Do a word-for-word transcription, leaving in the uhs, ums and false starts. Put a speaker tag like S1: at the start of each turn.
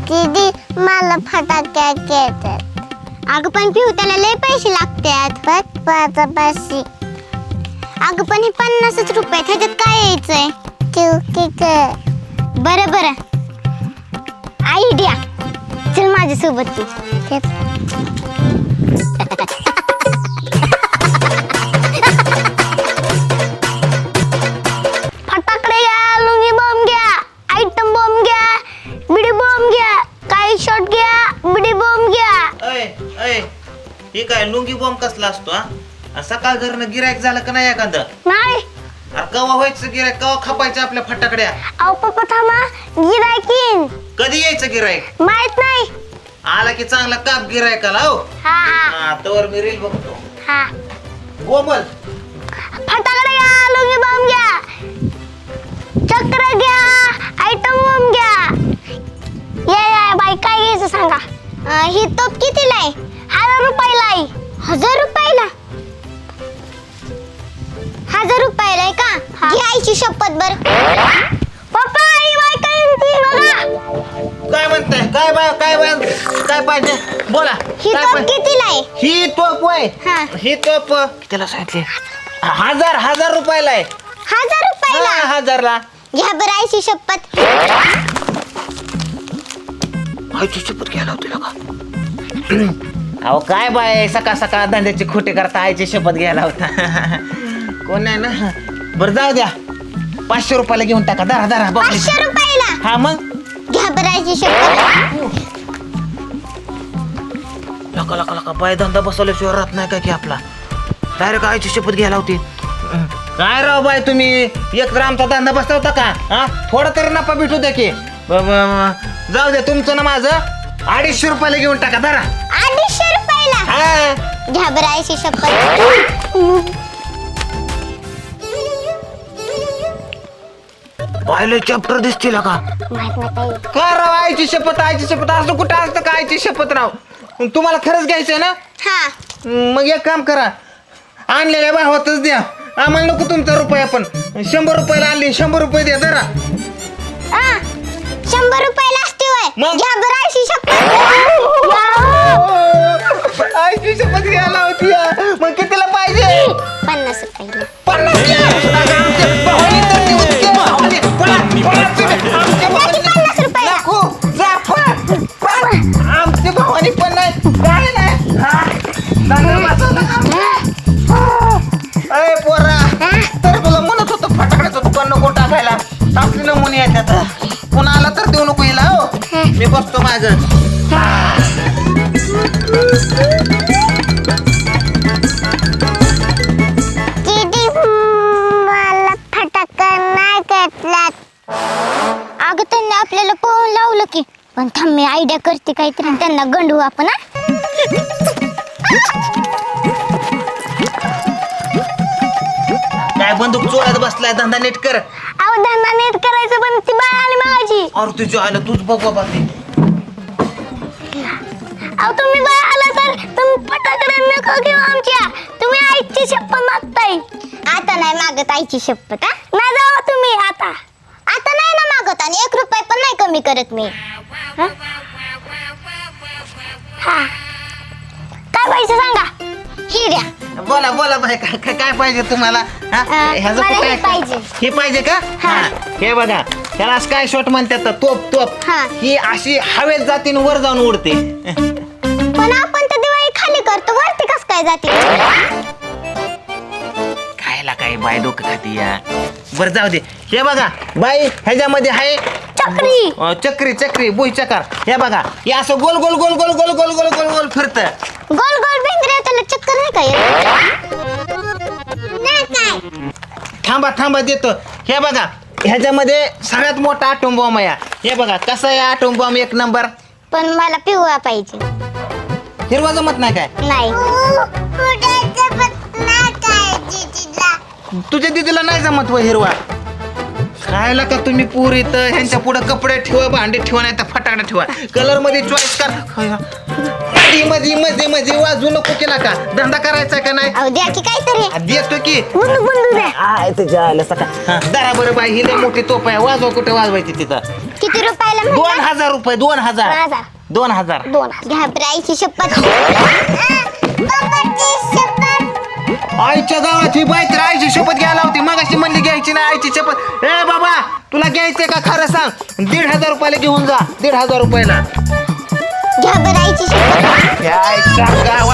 S1: दीदी मला फटाके घेतात. अगं पण पिऊ त्याला लय पैसे लागतात. पाच पैसे. अगं पण हे पन्नासच रुपये ह्याच्यात काय यायचंय? बरं बरं आयडिया. चल माझ्यासोबत तू. फटाकडे घ्या, लुंगी बॉम्ब घ्या, आयटम बॉम्ब घ्या, बिडी बॉम्ब घ्या, काही शॉट घ्या, बिडी बॉम्ब घ्या.
S2: अय अय हे काय लुंगी बॉम्ब कसला असतो हा? सकाळ घरनं गिरायक झालं का नाही एखादं?
S1: नाही.
S2: अरे कवा व्हायचं गिरायक, कवा खपायचं आपल्या फटाकड्या?
S1: अहो पप्पा थांबा, गिरायकीन
S2: कधी यायचं गिरायक?
S1: माहित नाही.
S2: आला की चांगला काप गिरायकाला. हो
S1: हा हा
S2: हा तवर मी रील बघतो.
S1: हा.
S2: गोमल
S1: फटाकडे घ्या, लुंगी बॉम्ब घ्या, चक्र घ्या, आयटम बॉम्ब घ्या. या या बाई काय घ्यायचं सांगा. अं, ही तोप कितीला आहे? हजार रुपयाला आहे. हजार रुपयाला? हजार रुपयाला आहे का? घ्यायची शपथ. बर पप्पा ही बाई काय म्हणते बघा.
S2: काय म्हणताय? काय बाय काय बाय काय पाहिजे बोला.
S1: ही
S2: काय
S1: तोप
S2: पाहिजे?
S1: कितीला आहे?
S2: ही तोप होय.
S1: हा.
S2: ही तोप कितीला सांगितली? हजार हजार रुपयाला आहे.
S1: हजार रुपयाला?
S2: हा, हजारला.
S1: घ्या बरं आईची शपथ.
S2: आईची शपथ घ्यायला होती का? अहो काय बाय सकाळ सकाळ धंद्याची खोटे करता आईची शपथ घ्यायला होता. कोण नाही ना. बरं जाऊ द्या, पाचशे रुपयाला घेऊन टाका. दरा दरा
S1: पाचशे रुपयाला?
S2: हा मग
S1: घ्या बरं आईची शपथ.
S2: लका लका लका बाय धंदा बसवल्याशिवाय राहत नाही का की आपला. डायरेक्ट आईची शपथ घ्यायला होती. काय राव बाय तुम्ही एक तर आमचा धंदा बसवता का? हा थोडा तरी नफा भेटू द्या की. ब- ब- जाऊ द्या तुमचं ना माझं अडीचशे रुपयाला घेऊन टाका. धरा.
S1: अडीचशे रुपयाला?
S2: हा
S1: घ्या बरं आईची शपथ.
S2: पाहिलं चॅप्टर दिसतील का?
S1: माहित नाही ताई.
S2: का राव आईची शपथ आईची शपथ असं कुठं असतं का आईची शपथ राव? तुम्हाला खरंच घ्यायचंय ना?
S1: हा.
S2: मग एक काम करा, आणलेल्या भावातच द्या. आम्हाला नको तुमचा रुपया. पण शंभर रुपयाला आणली, शंभर रुपये द्या. जरा
S1: आ, शंभर रुपयाला असते होय?
S2: मग?
S1: घ्या बरं आईची शपथ.
S2: आईची शपथ घ्यायला होती. मग कितीला पाहिजे?
S1: पन्नास रुपयाला.
S2: पन्नास द्या. अगं, आमच्या भावाने तर देऊन घे. भावाने. पळा, पळा तुम्ही. आमच्या
S1: द्या की पन्नास रुपयाला.
S2: नको, जा, पळा, पळा. आमच्या भावाने पण नाही काय नाही. हा, दादा वाचवलं का? अरे पोरा, तर तुला म्हणत होतो फटाकड्याचं दुकान नको टाकायला. आपली नमुने येतात. पुन्हा आला तर देऊ नको हिला. हो मी बसतो माझं.
S1: दीदी मला फटाका नाही घेतलात. अगं त्यांनी आपल्याला पळून लावलं की. पण थांब मी आयडिया करते काहीतरी आणि त्यांना गंडवू आपण.
S2: काय बंदूक चोळ्यात बसलाय? धंदा नीट कर.
S1: अहो धंदा नीट करायचं पण ती बाळ आली माझी.
S2: अरे तुझ्या आलं तूच बघ बाबा ते.
S1: अहो तुम्ही बाळ आला तर तुम्ही फटाकडे नको घेऊ आमच्या. तुम्ही आईची शपथ मागताय. आता नाही मागत आईची शपथ. हा नाही जाऊ तुम्ही आता. आता नाही ना मागत आणि एक रुपये पण नाही कमी करत मी. हा? हा. काय पाहिजे सांगा. ही द्या.
S2: बोला बोला बाय काय काय- काय पाहिजे तुम्हाला? हा?
S1: अं,
S2: ह्याचं
S1: मला
S2: काय-
S1: हे पाहिजे.
S2: हे पाहिजे का?
S1: हा.
S2: हा. हे बघा त्याला काय शॉट म्हणतात तोप तोप.
S1: हा.
S2: ही अशी हवेत जाते आणि वर जाऊन उडते.
S1: पण आपण तर दिवाळी खाली करतो वरती कस काय जाते?
S2: खायला काय बाय डोकं खाती या. बरं जाऊ दे. हे बघा बाई ह्याच्यामध्ये आहे
S1: चक्री.
S2: अं, चक्री चक्री बुई चकार. हे बघा हे असं गोल गोल गोल गोल गोल गोल गोल गोल गोल फिरत.
S1: गोल गोल भिंगऱ्या त्याला चक्कर नाही काय? नाही काय.
S2: थांबा थांबा देतो. हे बघा ह्याच्यामध्ये सगळ्यात मोठा आटोम बॉम्ब आहे. हे बघा कसा आहे आटोम बॉम्ब एक नंबर.
S1: पण मला पिवळा पाहिजे.
S2: हिरवा जमत नाही काय?
S1: नाही.
S2: तुझ्या दिदीला नाही जमत व हिरवा. खायला का तुम्ही पुरी तर ह्यांच्या पुढे कपडे ठेवा, भांडी ठेवा, नाही तर फटाकडे ठेवा. कलर मध्ये चॉईस कर. मध्ये मध्ये मध्ये मध्ये वाजू नको केला का? धंदा करायचा का नाही?
S1: अहो द्या की काहीतरी.
S2: आ, देतो की.
S1: बंदूक बंदूक द्या.
S2: आय तुझ्या आलं सका. दरा बरं बाई ही लय मोठी तोप आहे. वाजवा कुठे वाजवायची तिथं.
S1: किती रुपयाला
S2: दोन
S1: म्हणला?
S2: हजार रुपये दोन
S1: दोन
S2: हजार
S1: हजार
S2: दोन हजार
S1: दोन हजार. घ्या बरं आईची शपथ. बाबाची शपथ.
S2: आईच्या गावात ही बाई तर आईची शपथ घ्यायला होती मग अशी म्हणली घ्यायची ना आईची शपथ. ए बाबा तुला घ्यायचंय का खरं सांग दीड हजार रुपयाला घेऊन जा दीड हजार रुपयाला
S1: घ्या बरं आईची शपथ.
S2: काय सांगा